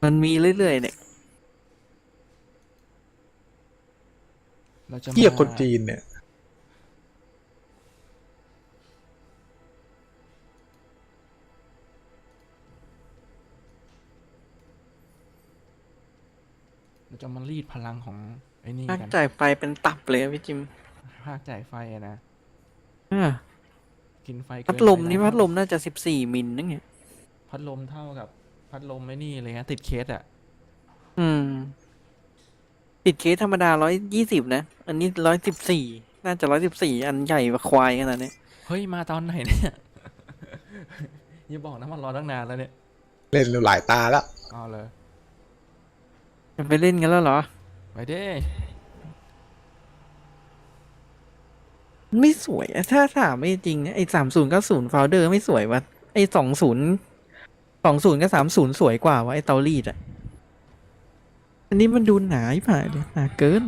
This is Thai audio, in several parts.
มันมีเรื่อยๆเนี่ยเราจะเหี้ยมาคนจีนเนี่ยเราจะมารีดพลังของไอ้นี่ภาคกันจ่ายไฟเป็นตับเลยอะพี่จิมภาคจ่ายไฟอะนะอ่ากินไฟพัดเกินลมนี่ไปหลายเท่าพัดลมน่าจะ14 มิลนั่นไงพัดลมเท่ากับพัดลมไอ้นี่เลยนะติดเคสอะอืมติดเคสธรรมดา120นะอันนี้114น่าจะ114อันใหญ่กว่าควายขนาดนี้เฮ้ยมาตอนไหนเนี่ยอย่าบอกนะมันรอตั้งนานแล้วเนี่ยเล่นหลายตาแล้วเอาเลยจะไปเล่นกันแล้วเหรอไปเด้ไม่สวยอะถ้าถามไม่จริงเนี่ยไอ้3090โฟลเดอร์ไม่สวยวะไอ้20กับ30สวยกว่าวะไอ้เตารีดอะอันนี้มันดูหนาอีผ่าเลยหนาเกิน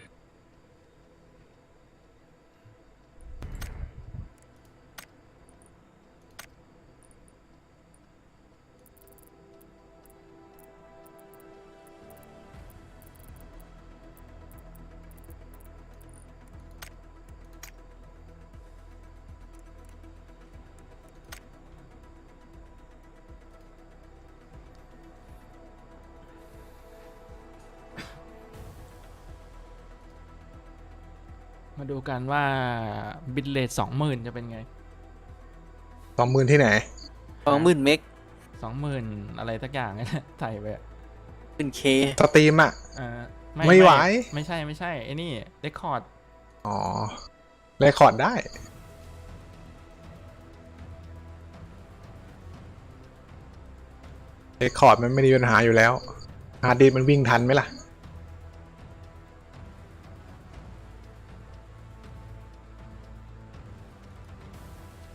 มาดูกันว่าบิตเรท20,000จะเป็นไง 20,000ที่ไหน 20,000 เมก 20,000อะไรสักอย่างนี่แหละใส่ไปอะเป็นเคสตรีมอ่ะเอ่อไม่ไหวไม่ใช่ไอ้นี่เรคคอร์ดอ๋อเรคคอร์ดได้เรคคอร์ดมันไม่มีปัญหาอยู่แล้วฮาร์ดดิสก์มันวิ่งทันไหมล่ะ